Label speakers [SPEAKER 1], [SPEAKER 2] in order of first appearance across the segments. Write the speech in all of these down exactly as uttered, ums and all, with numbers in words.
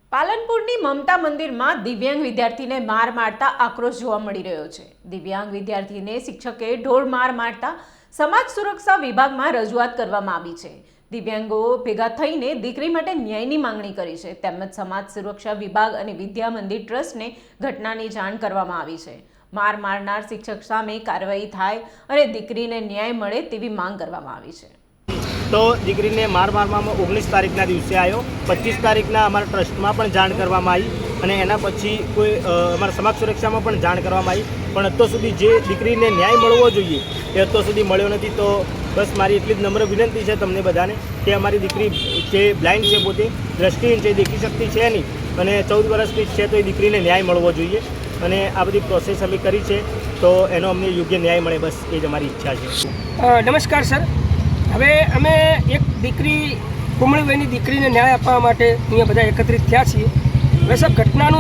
[SPEAKER 1] પાલનપુરની મમતા મંદિરમાં દિવ્યાંગ વિદ્યાર્થીને માર મારતા આક્રોશ જોવા મળી રહ્યો છે। દિવ્યાંગ વિદ્યાર્થીને શિક્ષકે ઢોર માર મારતા સમાજ સુરક્ષા વિભાગમાં રજૂઆત કરવામાં આવી છે। દિવ્યાંગો ભેગા થઈને દીકરી માટે ન્યાયની માંગણી કરી છે, તેમજ સમાજ સુરક્ષા વિભાગ અને વિદ્યા મંદિર ટ્રસ્ટને ઘટનાની જાણ કરવામાં આવી છે। માર મારનાર શિક્ષક સામે કાર્યવાહી થાય અને દીકરીને ન્યાય મળે તેવી માંગ કરવામાં આવી છે।
[SPEAKER 2] तो दीकरी ने मार मारवा में ओगनीस तारीखना दिवसे आयो, पच्चीस तारीखना अमरा ट्रस्ट में पण जाण करवामां आई अने एना पछी कोई अमरा समाज सुरक्षा में पण जाण करवामां आई, पण अत्यार सुधी जे दीकरी ने न्याय मळवो जोईए ए अत्यार सुधी मळ्यो नथी। तो बस मारी एटली ज नम्र विनंती है तमने बधाने कि अमारी दीकरी जे ब्लाइंड है, पोते दृष्टिहीन है, देखी शकती है नहीं अने चौदह वर्षनी है, तो ए दीकरी ने न्याय मळवो जोईए अने आ बधी प्रोसेस अमे करी है, तो एनो अमने योग्य न्याय मळे, बस ए ज अमारी इच्छा है।
[SPEAKER 3] नमस्कार सर, હવે અમે એક દીકરી કુમળીભાઈની દીકરીને ન્યાય આપવા માટે અહીંયા બધા એકત્રિત થયા છીએ। હવે સાહેબ ઘટનાનું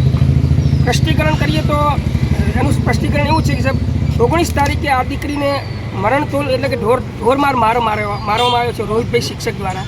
[SPEAKER 3] સ્પષ્ટીકરણ કરીએ તો એનું સ્પષ્ટીકરણ એવું છે કે સાહેબ ઓગણીસ તારીખે આ દીકરીને મરણતોલ એટલે કે ઢોર ઢોરમાર મારો મારવા મારવામાં આવ્યો છે રોહિતભાઈ શિક્ષક દ્વારા।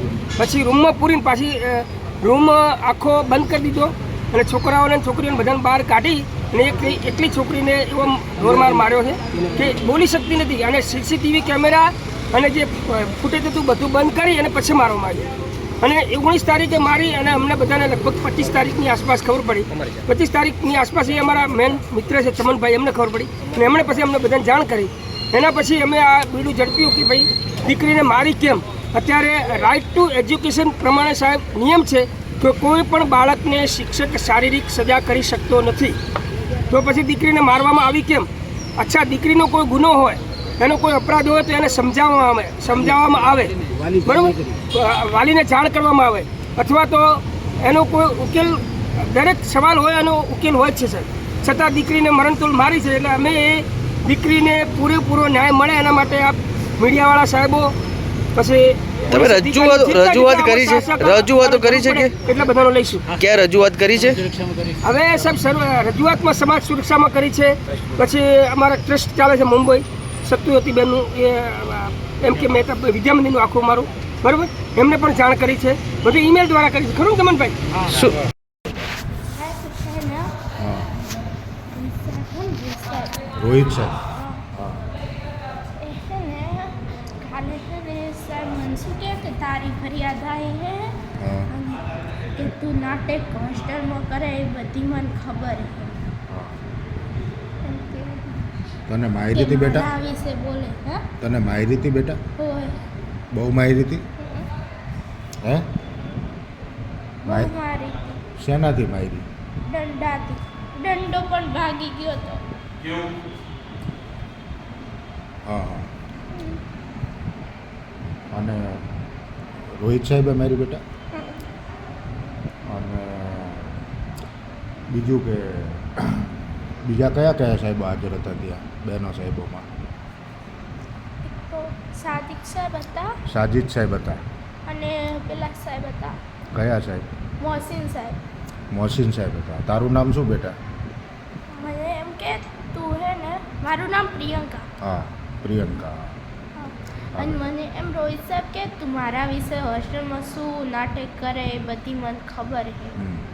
[SPEAKER 3] પછી રૂમમાં પૂરીને પાછી રૂમ આખો બંધ કરી દીધો અને છોકરાઓને છોકરીઓને બધાને બહાર કાઢી અને એક એકલી છોકરીને એવો ઢોરમાર માર્યો છે કે બોલી શકતી નથી અને સીસીટીવી કેમેરા અને જે ફૂટેજ હતું બધું બંધ કરી અને પછી મારવામાં આવ્યો। અને ઓગણીસ તારીખે મારી અને અમને બધાને લગભગ પચીસ તારીખની આસપાસ ખબર પડી। પચીસ તારીખની આસપાસ એ અમારા મેન મિત્ર છે ચમનભાઈ, એમને ખબર પડી અને એમણે પછી અમને બધાને જાણ કરી। એના પછી અમે આ બીડું ઝડપ્યું કે ભાઈ દીકરીને મારી કેમ। અત્યારે રાઇટ ટુ એજ્યુકેશન પ્રમાણે સાહેબ નિયમ છે કે કોઈ પણ બાળકને શિક્ષક શારીરિક સજા કરી શકતો નથી, તો પછી દીકરીને મારવામાં આવી કેમ? અચ્છા, દીકરીનો કોઈ ગુનો હોય, એનો કોઈ અપરાધ હોય તો એને સમજાવવામાં આવે સમજાવવામાં આવે બરાબર, વાલીને જાણ કરવામાં આવે, અથવા તો એનો કોઈ ઉકેલ, દરેક સવાલ હોય એનો ઉકેલ હોય જ છે સર। છતાં દીકરીને મરણતોલ મારી છે, એટલે અમે એ દીકરીને પૂરેપૂરો ન્યાય મળે એના માટે આ મીડિયાવાળા સાહેબો પછી
[SPEAKER 4] તમે રજૂઆત રજૂઆત કરી છે રજૂઆતો કરી છે કે
[SPEAKER 3] એટલે બધાનો લઈશું।
[SPEAKER 4] ક્યાં રજૂઆત કરી છે?
[SPEAKER 3] હવે સાહેબ રજૂઆતમાં સમાજ સુરક્ષામાં કરી છે, પછી અમારા ટ્રસ્ટ ચાલે છે મુંબઈ સત્યુવતીબેનનું, એ એમ કે મહેતા વિદ્યા મંદિરનું આખું મારું બરાબર, એમને પણ જાણ કરી છે, બધું ઈમેલ દ્વારા કરી છે, ખરું કમનભાઈ?
[SPEAKER 4] શું
[SPEAKER 5] રોહિત સાહેબ
[SPEAKER 6] તારી ફરિયાદ આવી હે કે તું નાટક હોસ્ટેલમાં કરે એ બધી મને ખબર હે।
[SPEAKER 5] તને મારી હતી બેટા?
[SPEAKER 6] આ વિશે બોલે હે?
[SPEAKER 5] તને મારી હતી બેટા?
[SPEAKER 6] હોય
[SPEAKER 5] બહુ મારી હતી હે?
[SPEAKER 6] બહુ મારી હતી।
[SPEAKER 5] શેનાથી મારી?
[SPEAKER 6] દંડાથી। દંડો પણ ભાગી ગયો તો।
[SPEAKER 5] હા હા, અને રોહિત સાહેબે મારી બેટા? અને બીજું કે બીજા કયા કયા સાહેબો હાજર હતા ત્યાં બહેનો સાહેબોમાં?
[SPEAKER 6] તો સાદિક સાહેબ હતા,
[SPEAKER 5] સાજિદ સાહેબ હતા,
[SPEAKER 6] અને પેલા સાહેબ હતા
[SPEAKER 5] કયા સાહેબ?
[SPEAKER 6] મોહસિન સાહેબ।
[SPEAKER 5] મોહસિન સાહેબ હતા। તારું નામ શું બેટા?
[SPEAKER 6] મને એમ કે તું હે ને, મારું નામ પ્રિયંકા।
[SPEAKER 5] હા, પ્રિયંકા।
[SPEAKER 6] અને મને એમ રોહિત સાહેબ કે તું મારા વિશે હોસ્ટેલમાં શું નાટક કરે એ બધી મને ખબર છે।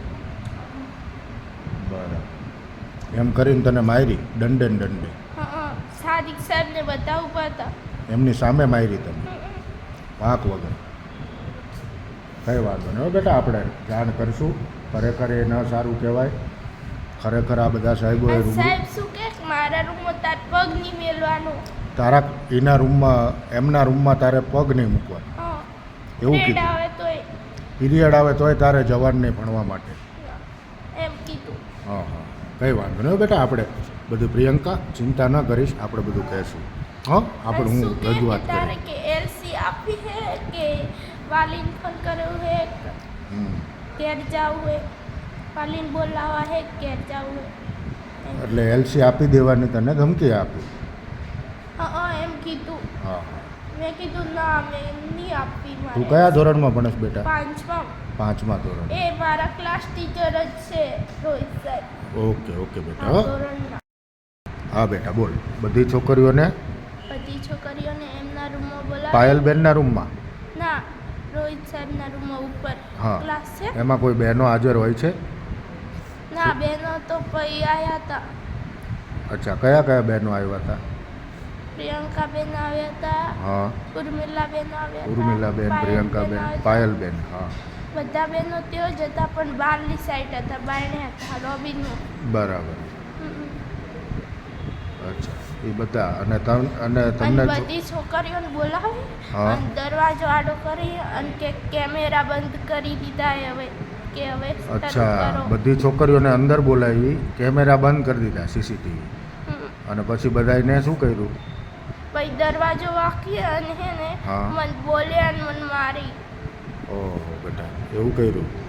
[SPEAKER 5] બરાબર, એમ કરીને તને મારી દંડે ને દંડે?
[SPEAKER 6] હા, સાદિક સાહેબને બધા ઊભા હતા,
[SPEAKER 5] એમની સામે મારી તમે વાંક વગર? કઈ વાંધો નહીં બેટા, આપણે જાણ કરશું। ખરેખર એ ન સારું કહેવાય, ખરેખર આ બધા સાહેબો એ રૂમ
[SPEAKER 6] સાહેબ શું કે મારા રૂમમાં તાર પગ નહીં મેલવાનો,
[SPEAKER 5] તારા એના રૂમમાં એમના રૂમમાં તારે પગ નહીં મૂકવાનો, એવું કીધું?
[SPEAKER 6] આવે તોય
[SPEAKER 5] પીરિયડ આવે તોય તારે જવાનું નહીં ભણવા માટે,
[SPEAKER 6] એમ કીધું।
[SPEAKER 5] હા હા, કંઈ વાંધો નહીં બેટા, આપણે બધું પ્રિયંકા ચિંતા ન કરીશ, આપણે બધું કહેશું। હા, આપણે હું રજૂઆત
[SPEAKER 6] તારે
[SPEAKER 5] કરીશ।
[SPEAKER 6] કે એલસી આપી હે કે વાલીને ફોન કર્યો હે, ઘેર જાવું હે, વાલીને બોલાવા હે, ઘેર જાવું હે,
[SPEAKER 5] એટલે એલસી આપી દેવાની તને ધમકી આપી?
[SPEAKER 6] હા એમ કીધું।
[SPEAKER 5] હા હા,
[SPEAKER 6] મેં કીધું ના, મેં નહીં આપવી
[SPEAKER 5] તું
[SPEAKER 6] મારે।
[SPEAKER 5] કયા ધોરણમાં ભણેશ બેટા?
[SPEAKER 6] પાંચમા।
[SPEAKER 5] પાંચમા ધોરણ?
[SPEAKER 6] એ મારા ક્લાસ ટીચર જ છે રોહિત સાહેબ।
[SPEAKER 5] ઓકે ઓકે બેટા,
[SPEAKER 6] આ
[SPEAKER 5] હા
[SPEAKER 6] ધોરણના।
[SPEAKER 5] હા બેટા બોલ। બધી છોકરીઓને
[SPEAKER 6] બધી છોકરીઓને એમના રૂમમાં બોલાવે?
[SPEAKER 5] પાયલબેનના રૂમમાં?
[SPEAKER 6] ના, રોહિત સાહેબના રૂમમાં ઉપર।
[SPEAKER 5] હા
[SPEAKER 6] ક્લાસ છે
[SPEAKER 5] એમાં કોઈ બહેનો હાજર હોય છે?
[SPEAKER 6] ના બહેનો તો પછી આવ્યા હતા.
[SPEAKER 5] અચ્છા, કયા કયા બહેનો આવ્યા હતા?
[SPEAKER 6] પ્રિયંકા બેન આવ્યા હતા,
[SPEAKER 5] હા,
[SPEAKER 6] ઉર્મિલા બેન આવ્યા હતા,
[SPEAKER 5] ઉર્મિલાબેન,
[SPEAKER 6] પાયલબેન
[SPEAKER 5] પ્રિયંકાબેન,
[SPEAKER 6] આવ્યા હતા.
[SPEAKER 5] પાયલબેન, હા,
[SPEAKER 6] બધા બહેનો ત્યાં જ હતા પણ બહારની સાઈડ હતા, બારણે હતા લોબીનું.
[SPEAKER 5] બરાબર.
[SPEAKER 6] હમ.
[SPEAKER 5] અચ્છા, એ બધા અને તમ અને
[SPEAKER 6] અને
[SPEAKER 5] તમને જો-
[SPEAKER 6] બધી છોકરીઓને બોલાવી
[SPEAKER 5] હા.
[SPEAKER 6] અને દરવાજો આડો કરી અને કે કેમેરા બંધ કરી દીધા એ હવે કે હવે શરૂ
[SPEAKER 5] અચ્છા,
[SPEAKER 6] કરો.
[SPEAKER 5] બધી છોકરીઓને અંદર બોલાવી, કેમેરા બંધ કરી દીધા સીસીટીવી,
[SPEAKER 6] હમ.
[SPEAKER 5] અને પછી બધાને શું કર્યું?
[SPEAKER 6] પછી દરવાજો વાંકી અને હે ને
[SPEAKER 5] હા.
[SPEAKER 6] મને બોલ્યા અને મને મારી.
[SPEAKER 5] ઓહો બેટા, એવું કર્યું.